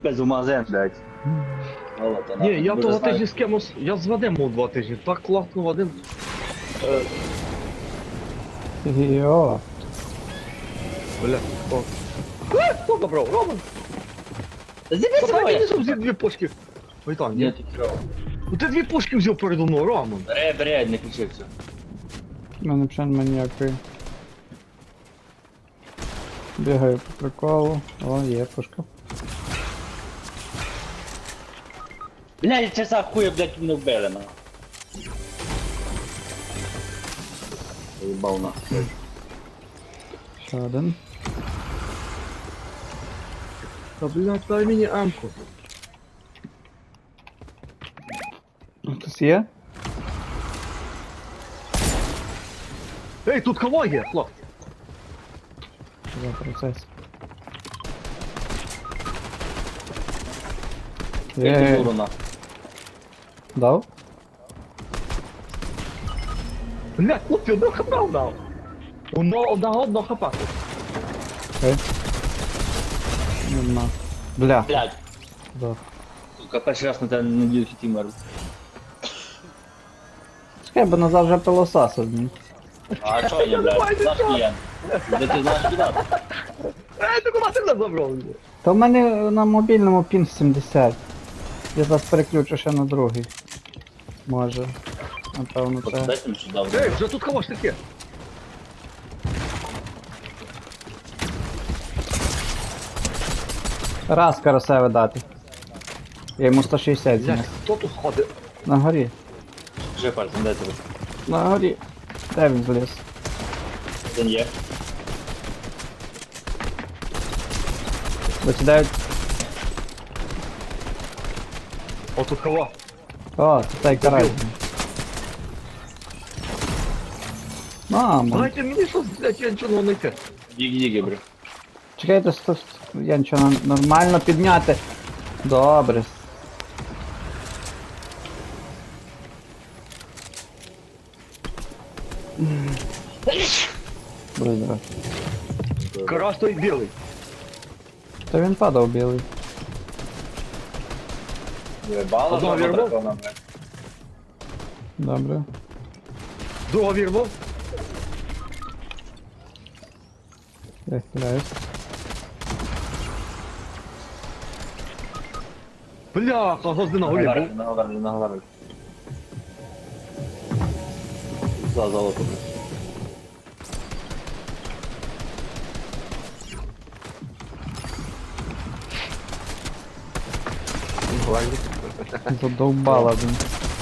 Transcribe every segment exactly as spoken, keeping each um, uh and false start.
Без умазен, блядь. Золото, Ні, нахуй. я Дуже того знаю. тижня з кимось, я з Вадимом був два тижні, так класно Вадим. Е, Йо. бля, о. Е, хто добрав? Роман? Зібі Подай мені своє! взяв дві пушки. Ой там, Ні, ні. ти що? Ну ти дві пушки взяв передо мною, Роман. Бре, бре, не кричи все. У мене взагалі нема ніякої. Бігаю по приколу. О, є пушка. Блядь, часа хуя, блядь, мене вбили, на. Заїбав нахуй. Ще один. Та блядь, дай мені амку. Хтось є? Ей, тут кого є, хлопці? Що за процес? Я Є. дуру нахуй. Дав? Блядь, хлопці, одного хапа дав. Одного, одного, одного хапа. Окей. Нема. Бля. Блядь, Дав. сука, перший раз на тебе не надію, що ти мер. Чекай, бо назад вже пилососив. А що я, блядь, знаєш клієнт? Де ти знаєш кидати? Ей, ти куди ти мене забрав? Та в мене на мобільному пін сімдесят. Я зараз переключу ще на другий. Може. Напевно це. Дайте мені сюди, Ей, блядь. вже тут кого ж таке? Раз карасеве дати. Я йому сто шістдесят Блядь, зніс. хто тут ходить? На горі. Вже пальцем, дай тебе. На горі. Де він зліз? Один є. Викидають. О, тут кого? О, це той карась. Мамо. Дайте мені щось, блядь, я нічого не знайти. Діг-діги, бро. Чекайте, сто... я нічого не- нормально підняти. Добре. Будь здоров. Карась той білий. Та він падав білий. Вибало, Одного що вірвав? дракона, блядь. Добре. Другого вірвав. Я хиляюсь. Бляха, гозди на горі Наговарили, був. наговарили, наговарили. За золото, блядь. Задовбала він.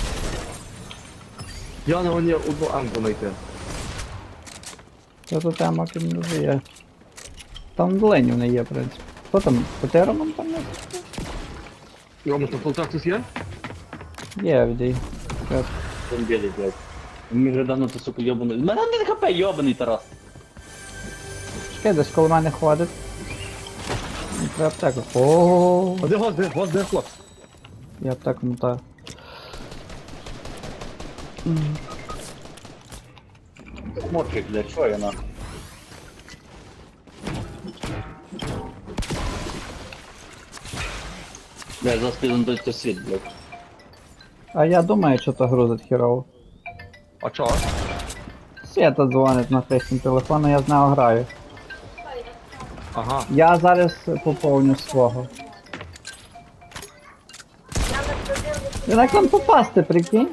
Я на гоні одну амку знайти. Це тут тема ким дуже є. Там ленів не є, в принципі. Хто там? Потероман там не? Рома, там полтак тут є? Є, відій. Він білий, блядь. Він вже давно ти, сука, йобаний. Мене не хп, йобаний Тарас. Чекай, десь коло мене ходить. Мені треба аптеку. О, А де гозди? Гозди, хлопці. я аптеку мотаю. Морчик, блядь, що я нахуй? Блядь, зараз піду на той світ, блядь. А я думаю, що то грузить хірово. А чого? Свята дзвонить на хрестім телефону, я з нього граю. Ага. Я зараз поповню свого. Як там попасти, прикинь?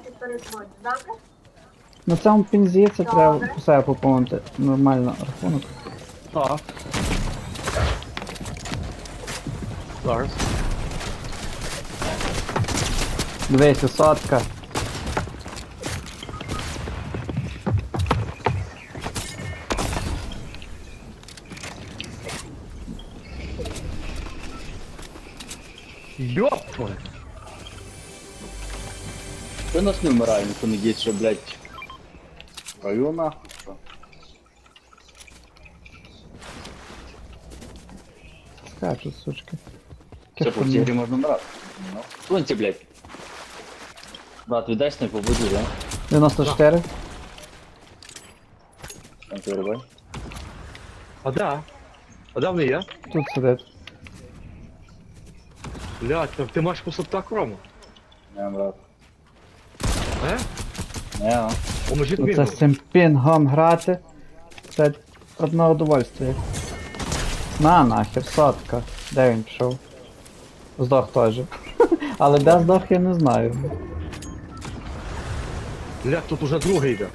На цьому пінзі це треба все поповнити. Нормально рахунок. Так. Зараз. Дивися, сотка. Йоп твою. Що нас не вмирає, ніхто не діє, що, блядь. Раю нахуй, що? Скачуть, сучки. Все, по цій грі можна вмирати. Ну. Сонці, блядь. Брат, віддай снайпу, буду, да? дев'яносто чотири. Там ти вирубай. А де? А де вони є? Тут сидить. Блядь, так ти маєш просто так, Рома? Не, брат. Е? Не, а. Поможіть Оце мені. з цим пінгом грати. Це одне удовольствие. На нахер, сотка. Де він пішов? Здох теж. Але де здох я не знаю. Блядь, тут уже другий йде.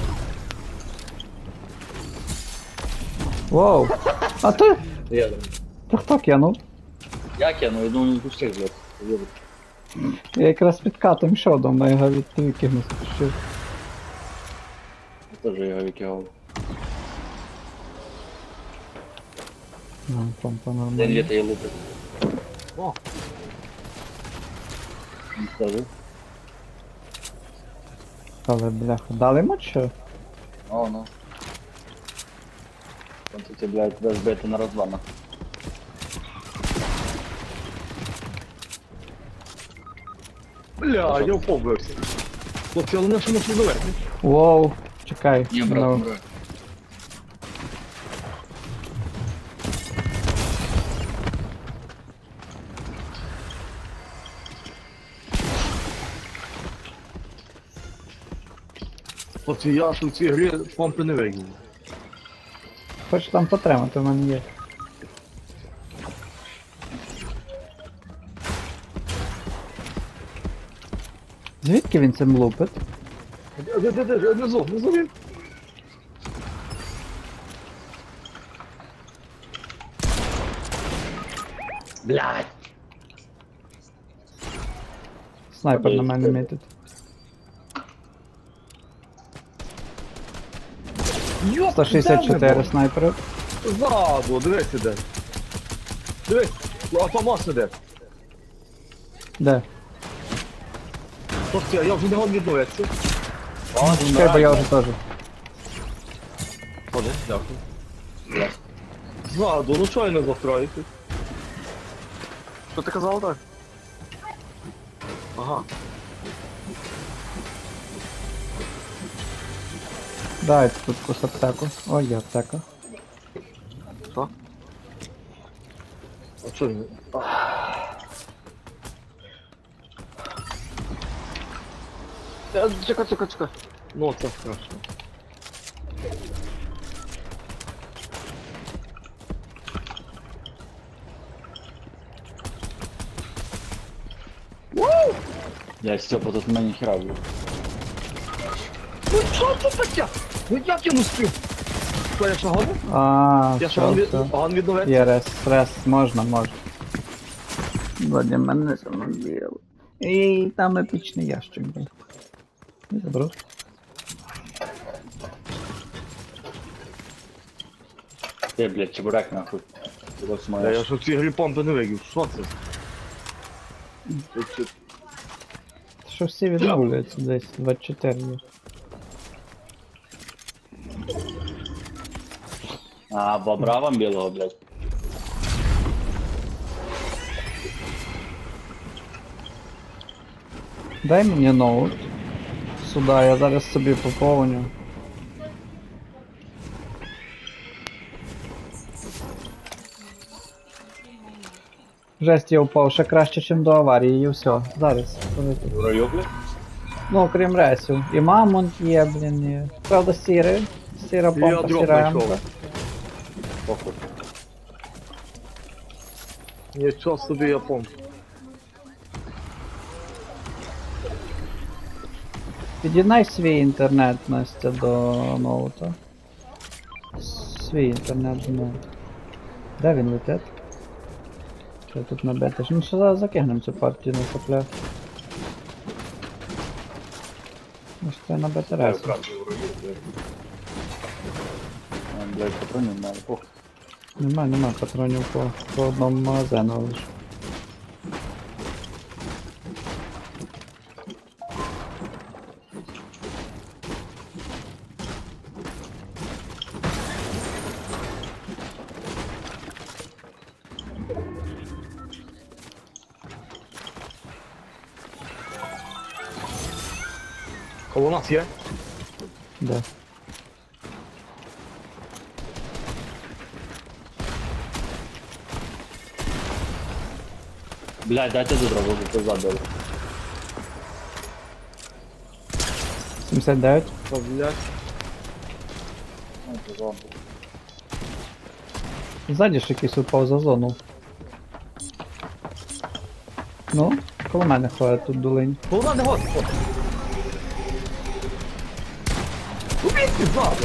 Воу! А ти? Я, Ти хто кинув? як я, ну я думаю, не пустив, блядь. Повірю. Я якраз під катом йшов, до мене його від викинув. спішив. Я теж його викигав. Ну, помпа День нормально. літа я лупив. О, Не скажу. Але бляха, дали йому що? О, ну. Там тут, блядь, тебе збити на розвана. бля, я вповбився. Хлопці, але не що можна доверху. Воу, чекай. Ні, брат, ну, не брат. Хлопці, я ж у цій грі помпи не вигнув. Хочеш там потримати, в мене є. Звідки він цим лупить? Де, де, де, де, внизу, внизу він. Блядь! Снайпер на мене мітить. Йоп, сто шістдесят чотири снайпери. Ззаду, дивись іде. Дивись, а Томас іде. Де? Хлопці, я вже не гон відновитися. Чекай, бо я вже теж. Ходи, дякую. Ззаду, ну чого я не завтраєте? Що ти казав так? Ага. Дайте тут кус аптеку. Ой, є аптека. Що? А що він? А. Е, Чекай, чекай, чекай. Ну, це страшно. Я Степа, тут мені хіра був. Ну що це таке? Ну як я не спів? Що, я що гону? А, Я що все, гон від... все. гон відновити? Є рес, рес, можна, можна. Вроді мене самоділо. І там епічний ящик був. Не забрав. Ти, блядь, чебурек нахуй. Ти ось Я, маєш. я ж у цій грі помпи не вигів. Що це? Це- це- Що всі відновлюються десь двадцять чотири є. А, бобра вам білого, блядь. Дай мені ноут. Сюди, я зараз собі поповню. Жесть, я впав ще краще, ніж до аварії, і все. Зараз. полетить. В раю, блядь? Ну, окрім ресів. І мамонт є, блін, і... Правда, сірий. Сіра Я помпа, дроп сіра знайшов. емка. Похуй. Нічого собі я помпу. Під'єднай свій інтернет, Настя, до ноута. Свій інтернет до ноута. Де він летить? Що тут набити? Ну що зараз закинемо цю партію на сопля. Ну що це набити раз. А, блядь, патронів немає, похуй. Нема, нема патронів по, по одному магазину лише. Коло нас є? Де? Блядь, дайте до дробу, пизда дали. сімдесят дев'ять. Що, блядь? Ну, пизда. Ззаді ж якийсь упав за зону. Ну, коло мене ходить тут долинь. Голова не год. Убійте, ззаду.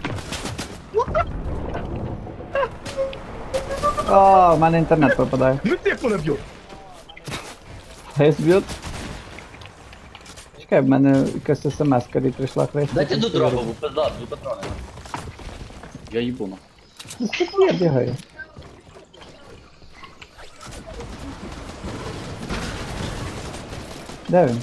О, в мене інтернет пропадає. Ну ти мене б'ють. Хейс б'ют. Чекай, в мене якась смс-ка прийшла хрейс. Дайте до дробу, бо пизда, дві патрони. Я їбу на. Я бігаю. Де він?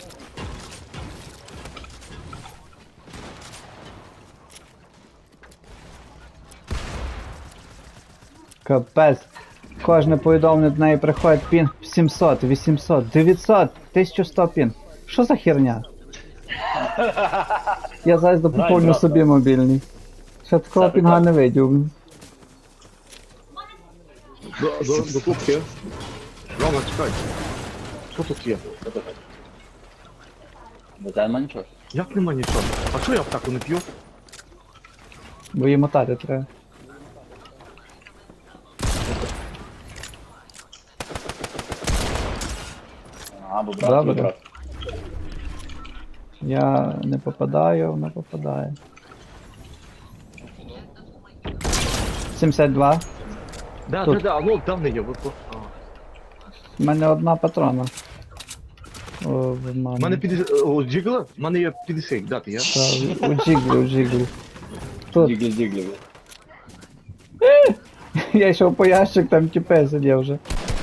Капець. Кожне повідомлення до неї приходить пін сімсот, вісімсот, дев'ятсот, тисяча сто пін. Що за херня? Я зараз допоповню брат. собі мобільний. Ще такого Все, пінга так. не видів. До, до, до кубки. Рома, чекай. Що тут є? До тебе нема нічого? Як нема нічого? А що я аптеку не п'ю? Бо її мотати треба. А, бо брат, Добре. твій брат. Я не попадаю, вона попадає. сімдесят два. Да, Тут. да, да, ну давно є. от, от. А. У мене одна патрона. О, в У мене. мене п'ятдесят... О, джигла? У мене є п'ятдесят, дати є? Та, у джиглі, у джиглі. Тут. Діглі, діглі. Я йшов по ящик, там тіпе сидів вже.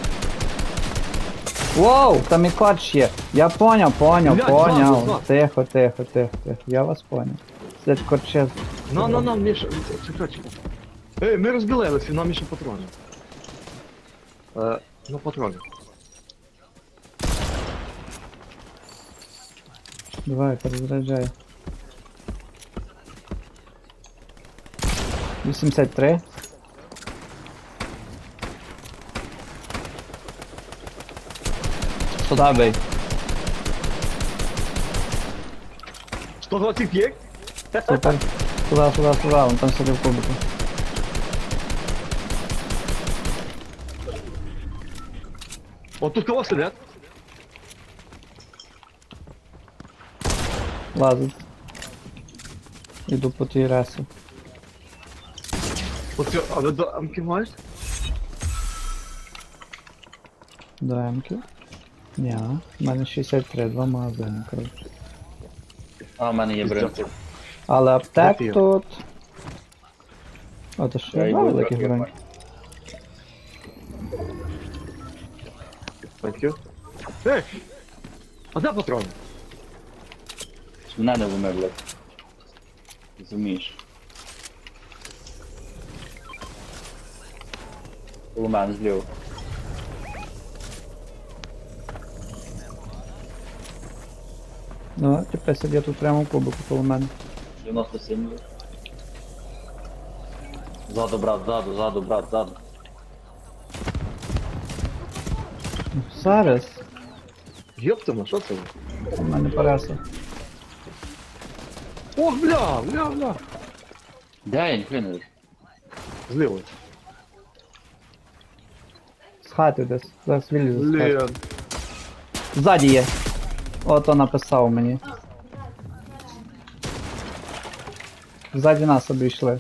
Воу, там і коч є. Я поняв, поняв, Блядь, поняв. ззаду, ззаду. Тихо, тихо, тихо, тихо. Я вас поняв. Сидять корче. На, на, на, Міша, чекай, чекай. Ей, ми розбілилися, нам ще патрони. Е, ну, патрони. Давай, перезаряджай. вісімдесят три. Сюда бей. сто двадцять п'ять? Супер. Сюда, сюда, сюда, он там сидів в кубику. От тут кого сидять? Лазить. Іду по тій ресі. От це, а ви до амки маєш? До М-ки. Ні, в мене шістдесят три, два магазини, коротше. А, в мене є бринки. Але аптек От є. тут. О, то що Я я йду великих трохи бронь. Thank you. Ей! А де патрони? Мене не вмер, блядь. Розумієш. У мене зліва. Ну, тепер сидять тут прямо в кубику коло мене. дев'яносто сім. блядь. Ззаду, брат, ззаду, ззаду, брат, ззаду. Зараз. Єптима, що це? У мене параса. Ох, бля, бля, бля. Де я ніхуя не вижу? Зліво. З хати десь. Зараз вилізу з хати. Блін. Ззаді є. Ото написав мені. Ззаді нас обійшли.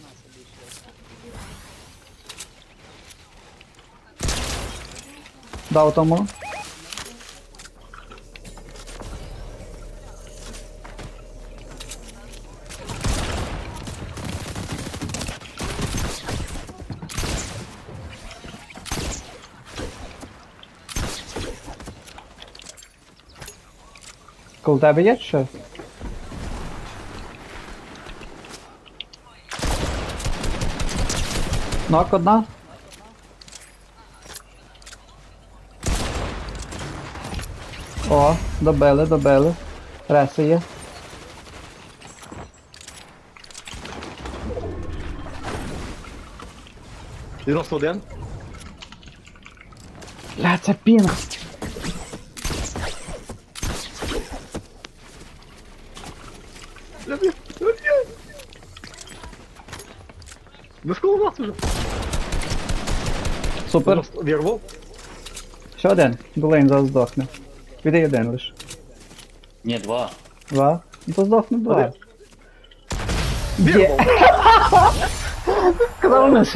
Дав тому. Коло тебе є що? Нок одна. О, добили, добили. Реси є. дев'яносто один. Бля, це пінг. Бля, бля, бля. Ну скоро нас уже. Супер. Вірвав. Ще один. Блейн зараз здохне. Віддай один лиш. Ні, два. Два. Ну то здохне два. Один. Є. Вірвав. Сказав,